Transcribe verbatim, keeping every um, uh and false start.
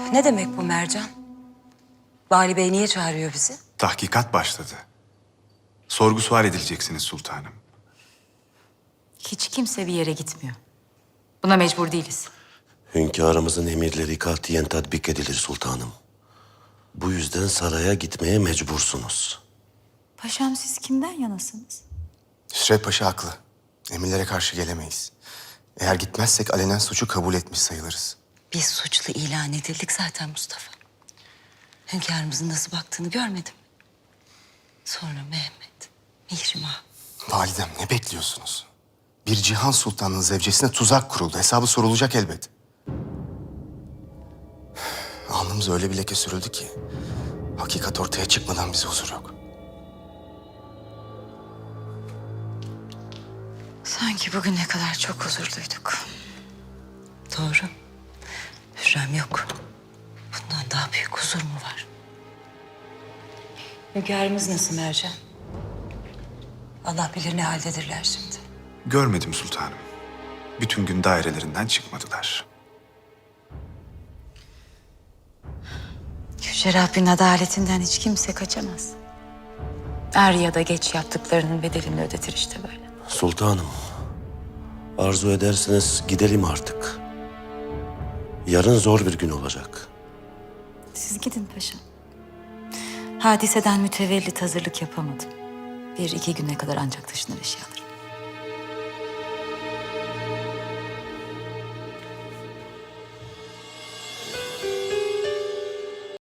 Ne demek bu Mercan? Vali Bey niye çağırıyor bizi? Tahkikat başladı. Sorgu sual edileceksiniz sultanım. Hiç kimse bir yere gitmiyor. Buna mecbur değiliz. Hünkârımızın emirleri katiyen tatbik edilir sultanım. Bu yüzden saraya gitmeye mecbursunuz. Paşam siz kimden yanasınız? Hüsrev Paşa haklı. Emirlere karşı gelemeyiz. Eğer gitmezsek alenen suçu kabul etmiş sayılırız. Biz suçlu ilan edildik zaten Mustafa. Hünkârımızın nasıl baktığını görmedim. Sonra Mehmet, Mihrimah. Validem ne bekliyorsunuz? Bir Cihan Sultan'ın zevcesine tuzak kuruldu. Hesabı sorulacak elbet. Alnımıza öyle bir leke sürüldü ki... hakikat ortaya çıkmadan bize huzur yok. Sanki bugüne kadar çok huzurluyduk. Doğru. Hürrem yok. Bundan daha büyük huzur mu var? Hünkârımız nasıl Mercan? Allah bilir ne haldedirler şimdi. Görmedim sultanım. Bütün gün dairelerinden çıkmadılar. Yüce Rabbin adaletinden hiç kimse kaçamaz. Er ya da geç yaptıklarının bedelini ödetir işte böyle. Sultanım, arzu ederseniz gidelim artık. Yarın zor bir gün olacak. Siz gidin paşam. Hadiseden mütevellit hazırlık yapamadım. Bir iki güne kadar ancak taşınır eşyalar.